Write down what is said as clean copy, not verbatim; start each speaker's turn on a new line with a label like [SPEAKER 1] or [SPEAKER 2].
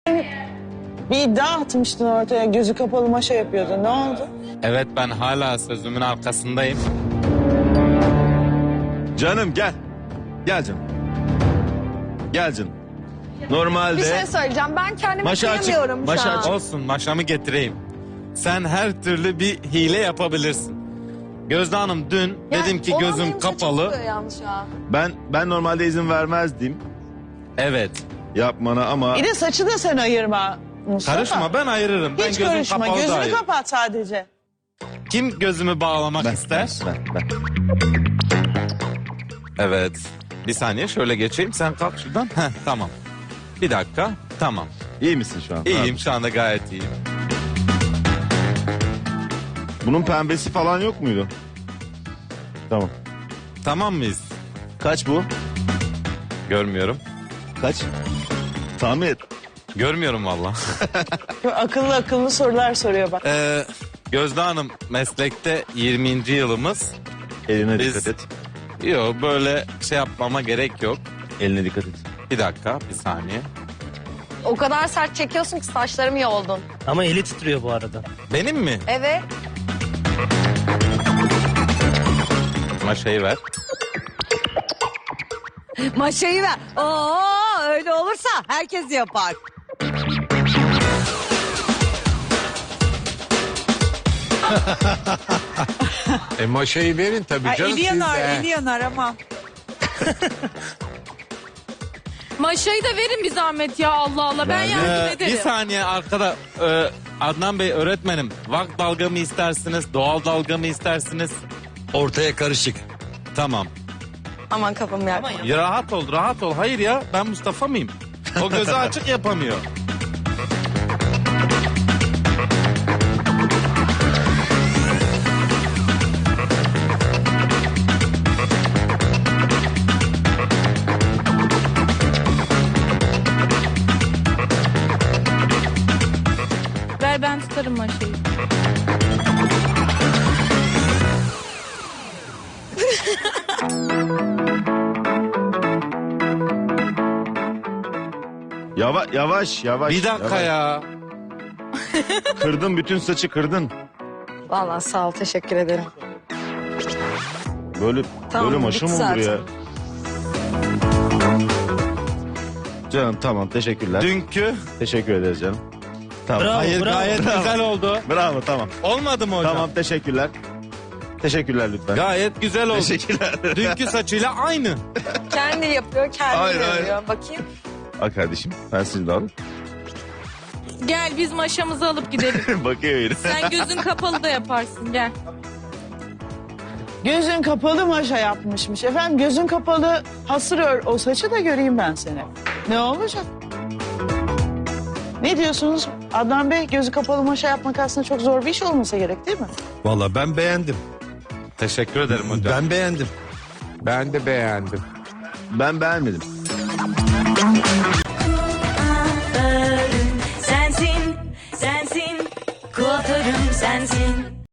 [SPEAKER 1] Bir iddia atmıştın ortaya, gözü kapalı maşa yapıyordun. Ne oldu?
[SPEAKER 2] Evet, ben hala sözümün arkasındayım.
[SPEAKER 3] Canım gel. Gel canım. Gel canım. Normalde
[SPEAKER 4] Bir şey söyleyeceğim. Ben kendimi
[SPEAKER 3] Maşa açık,
[SPEAKER 4] kıyamıyorum şu
[SPEAKER 3] maşa
[SPEAKER 4] an.
[SPEAKER 3] açık.
[SPEAKER 2] Olsun, maşamı getireyim. Sen her türlü bir hile yapabilirsin. Gözde Hanım dün
[SPEAKER 4] Yani
[SPEAKER 2] dedim ki
[SPEAKER 4] olan
[SPEAKER 2] gözüm
[SPEAKER 4] benim saçım
[SPEAKER 2] kapalı.
[SPEAKER 4] çıkıyor yalnız şu an.
[SPEAKER 3] ben normalde izin vermezdim
[SPEAKER 2] Evet.
[SPEAKER 3] yapmana ama
[SPEAKER 1] Bir de saçı da sen ayırma Mustafa.
[SPEAKER 2] Karışma, ben ayırırım. Ben
[SPEAKER 1] Hiç
[SPEAKER 2] gözüm
[SPEAKER 1] karışma,
[SPEAKER 2] kapalı da
[SPEAKER 1] gözünü
[SPEAKER 2] ayırırım.
[SPEAKER 1] kapat sadece.
[SPEAKER 2] Kim gözümü bağlamak ister?
[SPEAKER 3] ben.
[SPEAKER 2] Evet. Bir saniye şöyle geçeyim. Sen kalk şuradan. Heh, tamam. Bir dakika. Tamam.
[SPEAKER 3] İyi misin şu an?
[SPEAKER 2] İyiyim, şu anda gayet iyiyim.
[SPEAKER 3] Bunun pembesi falan yok muydu? Tamam.
[SPEAKER 2] Tamam mıyız?
[SPEAKER 3] Kaç bu?
[SPEAKER 2] Görmüyorum.
[SPEAKER 3] Kaç? Tahmin et.
[SPEAKER 2] Görmüyorum valla.
[SPEAKER 1] Akıllı akıllı sorular soruyor bak.
[SPEAKER 2] Gözde Hanım, meslekte 20. yılımız.
[SPEAKER 3] Eline
[SPEAKER 2] Biz-
[SPEAKER 3] dikkat et.
[SPEAKER 2] Yok, böyle şey yapmama gerek yok.
[SPEAKER 3] Eline dikkat et.
[SPEAKER 2] Bir dakika, bir saniye.
[SPEAKER 4] O kadar sert çekiyorsun ki saçlarım yoldun.
[SPEAKER 5] Ama eli titriyor bu arada.
[SPEAKER 2] Benim mi?
[SPEAKER 4] Evet.
[SPEAKER 2] Maşayı ver.
[SPEAKER 6] Maşayı ver. Oo, öyle olursa herkes yapar.
[SPEAKER 7] Maşayı verin tabii
[SPEAKER 6] Ay,
[SPEAKER 7] canım.
[SPEAKER 6] eli yanar,
[SPEAKER 7] siz de.
[SPEAKER 6] eli yanar ama.
[SPEAKER 8] Maşayı da verin bir zahmet ya, Allah Allah, ben yardım
[SPEAKER 2] Bir
[SPEAKER 8] ederim.
[SPEAKER 2] saniye arkada. Adnan Bey öğretmenim. Vak dalga mı istersiniz? Doğal dalga mı istersiniz?
[SPEAKER 9] Ortaya karışık.
[SPEAKER 2] Tamam.
[SPEAKER 4] Aman kafamı yak.
[SPEAKER 2] Ya rahat ol, rahat ol. Hayır ya, ben Mustafa mıyım? O gözü açık yapamıyor.
[SPEAKER 8] Ver, ben tutarım maşayı.
[SPEAKER 3] Yavaş.
[SPEAKER 2] Bir dakika
[SPEAKER 3] yavaş.
[SPEAKER 2] ya.
[SPEAKER 3] Kırdın, bütün saçı kırdın.
[SPEAKER 4] Vallahi sağ ol, teşekkür ederim.
[SPEAKER 3] Böyle
[SPEAKER 4] Tamam,
[SPEAKER 3] böyle maşa
[SPEAKER 4] bitti
[SPEAKER 3] mı olur ya?
[SPEAKER 4] zaten.
[SPEAKER 3] Canım tamam, teşekkürler.
[SPEAKER 2] Dünkü.
[SPEAKER 3] Teşekkür ederiz canım. Tamam.
[SPEAKER 5] Bravo,
[SPEAKER 2] Hayır,
[SPEAKER 5] bravo,
[SPEAKER 2] gayet
[SPEAKER 5] bravo.
[SPEAKER 2] güzel oldu.
[SPEAKER 3] Bravo, tamam.
[SPEAKER 2] Olmadı mı hocam?
[SPEAKER 3] Tamam, teşekkürler. Teşekkürler lütfen.
[SPEAKER 2] Gayet güzel oldu.
[SPEAKER 3] Teşekkürler.
[SPEAKER 2] Dünkü saçıyla aynı.
[SPEAKER 4] Kendi yapıyor, kendi
[SPEAKER 3] Hayır,
[SPEAKER 4] yapıyor. Bakayım.
[SPEAKER 3] Al kardeşim, ben sizi de alayım.
[SPEAKER 8] Gel, biz maşamızı alıp gidelim.
[SPEAKER 3] Bakıyor yine.
[SPEAKER 8] Sen gözün kapalı da yaparsın, gel.
[SPEAKER 1] Gözün kapalı maşa yapmışmış. Efendim gözün kapalı hasır ör o saçı da göreyim ben seni. Ne olacak? Ne diyorsunuz Adnan Bey? Gözü kapalı maşa yapmak aslında çok zor bir iş olmasa gerek değil mi?
[SPEAKER 9] Vallahi ben beğendim.
[SPEAKER 2] Teşekkür ederim hocam.
[SPEAKER 9] Ben beğendim.
[SPEAKER 7] Ben de beğendim.
[SPEAKER 3] Ben beğenmedim.